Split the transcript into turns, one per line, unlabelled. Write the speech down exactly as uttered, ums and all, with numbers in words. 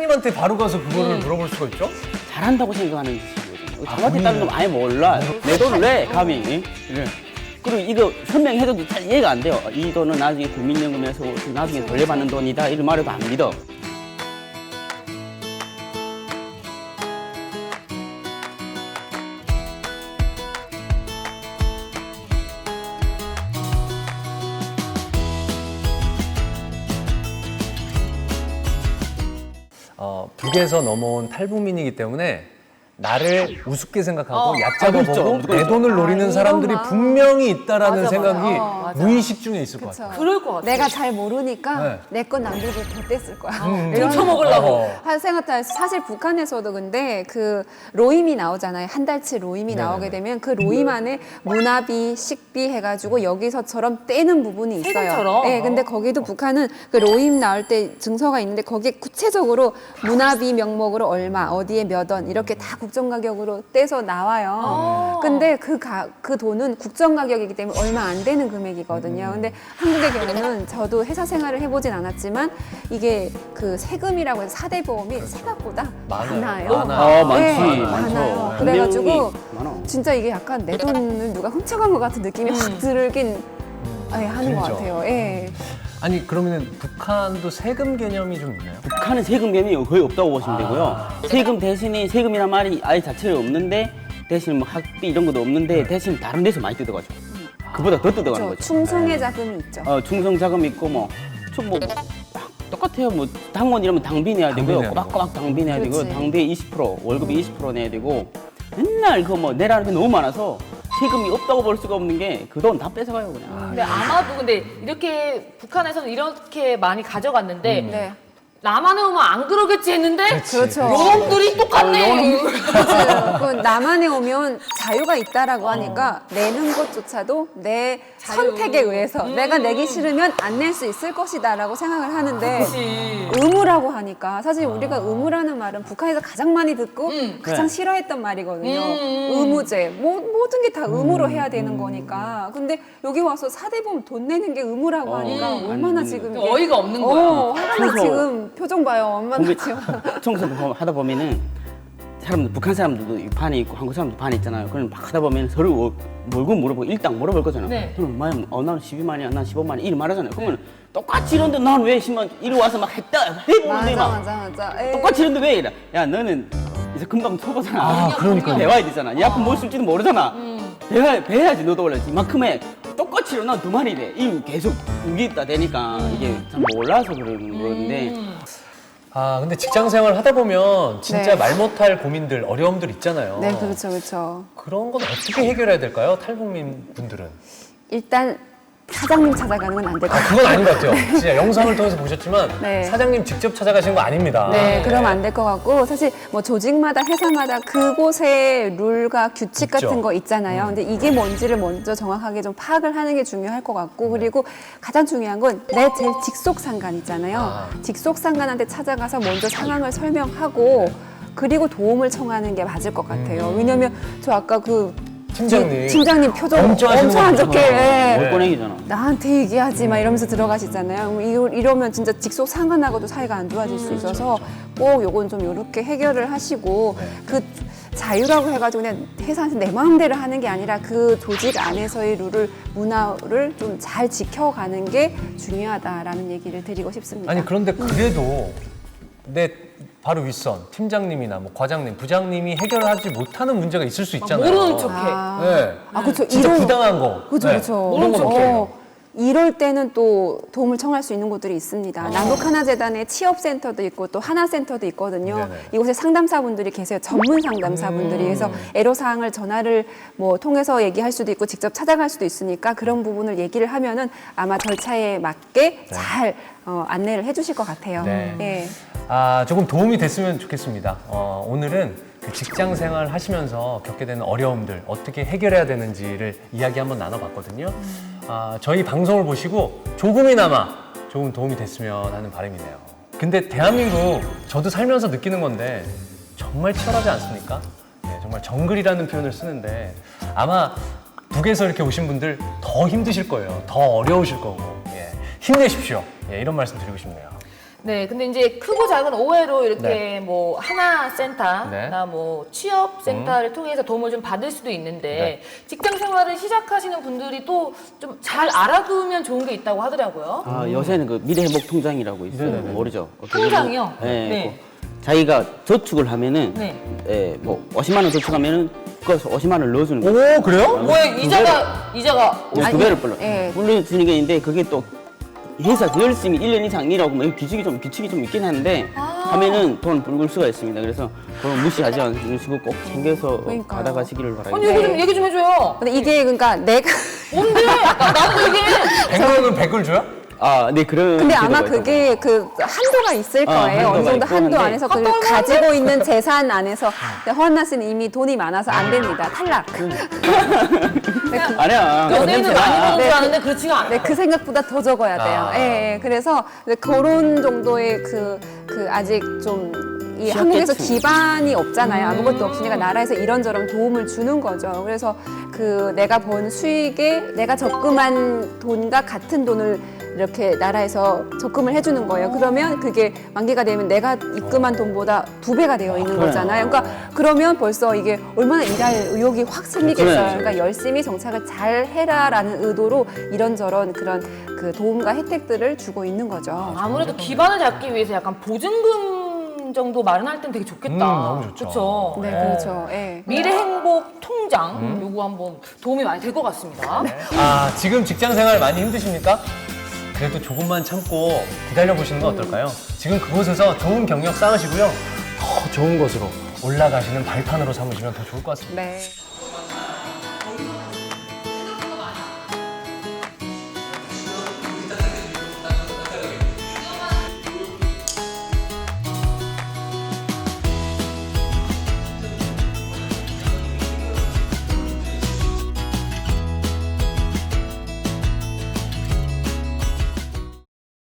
님한테 바로 가서 그거를 물어볼 수가 있죠?
잘한다고 생각하는 짓이거든요. 저한테 다른 거 아예 몰라. 내 돈을 내 감히. 이래. 그리고 이거 설명해줘도 잘 이해가 안 돼요. 이 돈은 나중에 국민연금에서 나중에 돌려받는 돈이다 이런 말해도 안 믿어.
어, 북에서 넘어온 탈북민이기 때문에 나를 우습게 생각하고
어.
얕잡아
아, 그렇죠.
보고 내
그렇죠.
돈을 노리는
아,
사람들이
이런 마음.
분명히 있다라는
맞아,
생각이
맞아. 어, 맞아.
무의식 중에 있을 것
그쵸.
같아요.
그럴 것 같아.
내가 잘 모르니까
네.
내 건 남들고 더 뗐을 거야.
음,
이런
훔쳐먹으려고.
어.
한 생각할 사실 북한에서도 근데 그 로임이 나오잖아요. 한 달치 로임이
네네네.
나오게 되면 그 로임 안에 문화비, 식비 해가지고 여기서처럼 떼는 부분이 있어요.
세금처럼?
네, 근데 거기도 북한은 그 로임 나올 때 증서가 있는데 거기에 구체적으로 문화비 명목으로 얼마, 어디에 몇 원 이렇게 다 국정 가격으로 떼서 나와요.
아.
근데 그, 가, 그 돈은 국정 가격이기 때문에 얼마 안 되는 금액이거든요. 근데 한국의 경우는 저도 회사 생활을 해보진 않았지만 이게 그 세금이라고 해서 사대 보험이 생각보다
많아요.
많아요.
많아요.
아, 많지.
네,
많죠.
많아요.
분명히
그래가지고
많아.
진짜 이게 약간 내 돈을 누가 훔쳐간 것 같은 느낌이 확 들긴 예, 하는 것
들죠.
같아요. 예.
아니 그러면 북한도 세금 개념이 좀 있나요?
북한은 세금 개념이 거의 없다고 보시면 되고요.
아.
세금 대신에 세금이란 말이 아예 자체가 없는데 대신 뭐 학비 이런 것도 없는데 대신 다른 데서 많이 뜯어가죠. 그보다 더 뜯어가는
저
거죠.
충성의 자금이 있죠.
어, 충성 자금 있고 뭐, 좀 뭐, 똑같아요. 뭐, 당원 이러면 당비 내야 되고요.
당비 내야
꼬박꼬박 당비 내야 되고요.
그렇지.
당비 이십 퍼센트, 월급이 이십 퍼센트 내야 되고, 맨날 그 뭐, 내라는 게 너무 많아서 세금이 없다고 볼 수가 없는 게 그 돈 다 뺏어가요, 그냥.
근데 아마도 근데 이렇게 북한에서는 이렇게 많이 가져갔는데
네.
나만에 오면 안 그러겠지 했는데
그렇죠.
여러분들이 똑같네.
그렇죠. 그 남한에 오면 자유가 있다라고 하니까 내는 것조차도 내
자유.
선택에 의해서
음.
내가 내기 싫으면 안 낼 수 있을 것이다라고 생각을 하는데
그치.
의무라고 하니까 사실 우리가 의무라는 말은 북한에서 가장 많이 듣고
음.
가장
네.
싫어했던 말이거든요.
음.
의무제 뭐, 모든 게 다 의무로 해야 되는 거니까. 근데 여기 와서 사대보험 돈 내는 게 의무라고
어,
하니까
음.
얼마나
아니,
지금
또 어이가 없는 거야.
어, 화가 나
그래서
지금 표정 봐요. 얼마나
공개,
지금.
청소 하다 보면은 사람들, 북한 사람들도 반이 있고 한국 사람도 반이 있잖아요. 그럼 막 하다 보면 서로 어, 월급 물어보고 일당 물어볼 거잖아.
네.
그럼 만, 어, 나는 십이만이야, 난 십오만이야 이렇게 말하잖아요. 그러면 똑같이 이런데 난 왜 십만, 이리 와서 막 했다, 해보는데
맞아
막
맞아 맞아. 에이.
똑같이 이런데 왜 이래? 야, 너는 이제 금방 쳐보잖아.
아, 그러니까요.
배워야 되잖아. 네 앞으로 뭘 쓸지도 모르잖아.
음.
배워, 배워야지 너도 원래 이만큼의 똑같이 일어나 두 마리래. 이 계속 우기 있다 되니까 이게 참 몰라서 그러는 건데.
음.
아 근데 직장 생활 하다 보면 진짜
네.
말 못할 고민들, 어려움들 있잖아요.
네, 그렇죠, 그렇죠.
그런 건 어떻게 해결해야 될까요? 탈북민 분들은?
일단 사장님 찾아가는 건 안 될 것
아,
같아요.
그건 아닌 것 같아요. 진짜 영상을 통해서 보셨지만
네.
사장님 직접 찾아가신 거 아닙니다.
네, 그러면 안 될 것 같고 사실 뭐 조직마다 회사마다 그곳의 룰과 규칙
있죠.
같은 거 있잖아요. 근데 이게 뭔지를 먼저 정확하게 좀 파악을 하는 게 중요할 것 같고 그리고 가장 중요한 건 내 제일 직속 상관 있잖아요.
아.
직속 상관한테 찾아가서 먼저 상황을 설명하고 그리고 도움을 청하는 게 맞을 것 같아요. 왜냐면 저 아까 그
팀장님.
팀장님 표정
엄청 하시는
엄청 안
거
좋게
보잖아요.
예.
네.
월권행이잖아.
나한테 얘기하지 막 이러면서 들어가시잖아요. 그럼 이러- 이러면 진짜 직속 상관하고도 사이가 안 좋아질 수 있어서 꼭 요건 좀 이렇게 해결을 하시고
네.
그 자유라고 해가지고 그냥 회사에서 내 마음대로 하는 게 아니라 그 조직 안에서의 룰을 문화를 좀 잘 지켜가는 게 중요하다라는 얘기를 드리고 싶습니다.
아니 그런데 그래도 내 바로 윗선 팀장님이나 뭐 과장님, 부장님이 해결하지 못하는 문제가 있을 수 있잖아요.
모르는 척해.
아,
네.
아 그렇죠.
진짜 부당한 거.
그렇죠,
네.
그렇죠.
그런 건 어떻게 해요?
이럴 때는 또 도움을 청할 수 있는 곳들이 있습니다.
아.
남북하나재단에 취업센터도 있고 또 하나센터도 있거든요.
네네.
이곳에 상담사분들이 계세요. 전문 상담사분들이. 그래서 애로사항을 전화를 뭐 통해서 얘기할 수도 있고 직접 찾아갈 수도 있으니까 그런 부분을 얘기를 하면은 아마 절차에 맞게 잘 어, 안내를 해주실 것 같아요.
네.
예.
아, 조금 도움이 됐으면 좋겠습니다. 어, 오늘은 그 직장 생활 하시면서 겪게 되는 어려움들 어떻게 해결해야 되는지를 이야기 한번 나눠봤거든요. 아, 저희 방송을 보시고 조금이나마 조금 도움이 됐으면 하는 바람이네요. 근데 대한민국 저도 살면서 느끼는 건데 정말 치열하지 않습니까? 네, 정말 정글이라는 표현을 쓰는데 아마 북에서 이렇게 오신 분들 더 힘드실 거예요. 더 어려우실 거고 예, 힘내십시오. 예, 이런 말씀 드리고 싶네요.
네, 근데 이제 크고 작은 오해로 이렇게
네.
뭐 하나 센터나
네.
뭐 취업 센터를 통해서 도움을 좀 받을 수도 있는데
네.
직장 생활을 시작하시는 분들이 또 좀 잘 알아두면 좋은 게 있다고 하더라고요.
아, 요새는 그 미래회복 통장이라고 있어요.
네네네.
모르죠?
통장이요?
네.
네.
그 자기가 저축을 하면은
네.
예, 뭐 오십만 원 저축하면은 그거에서 오십만 원을 넣어주는 거예요.
오, 그래요?
뭐야 이자가 이자가
네,
아니,
두 배를 불러.
예.
불러주는 게 있는데 그게 또 회사 더 열심히 일 년 이상 일하고 뭐 규칙이 좀 규칙이 좀 있긴 한데
아.
하면은 돈 불을 수가 있습니다. 그래서 그건 무시하지 않으시고 꼭 챙겨서
그러니까요.
받아가시기를 바랍니다.
아니 이거 좀 얘기 좀 해줘요.
근데 이게 그러니까 내가
뭔데? 나도 이게
백 원은 백을 줘요?
아, 네 그런.
근데 아마
제도가
그게 그 한도가 있을
아,
거예요. 어느
한도가
정도
있고
한도
한데.
안에서 그
한도
가지고 있는 재산 안에서 근데 허한나 씨는 이미 돈이 많아서 안 됩니다. 탈락.
있고. 아니야.
연예인은 많이 버는 줄 아는데 그렇지가 않아.
네, 그 생각보다 더 적어야 돼요.
아.
예, 예. 그래서 이제 그런 정도의 그, 그 아직 좀 이 한국에서
취약계층.
기반이 없잖아요. 아무것도 없으니까 나라에서 이런저런 도움을 주는 거죠. 그래서 그 내가 번 수익에 내가 적금한 돈과 같은 돈을 이렇게 나라에서 적금을 해주는 거예요. 그러면 그게 만기가 되면 내가 입금한 돈보다 두 배가 되어 있는
그래요.
거잖아요. 그러니까 그러면 벌써 이게 얼마나 일할 의욕이 확 생기겠어요.
그래요.
그러니까 열심히 정착을 잘 해라라는 의도로 이런저런 그런 그 도움과 혜택들을 주고 있는 거죠.
아무래도 기반을 잡기 위해서 약간 보증금 정도 마련할 땐 되게 좋겠다.
음, 너무 좋죠.
그쵸?
네, 그렇죠. 예.
미래 행복 통장
음.
요거 한번 도움이 많이 될 것 같습니다.
아, 지금 직장 생활 많이 힘드십니까? 그래도 조금만 참고 기다려 보시는 건 어떨까요? 지금 그곳에서 좋은 경력 쌓으시고요. 더 좋은 곳으로 올라가시는 발판으로 삼으시면 더 좋을 것 같습니다.
네.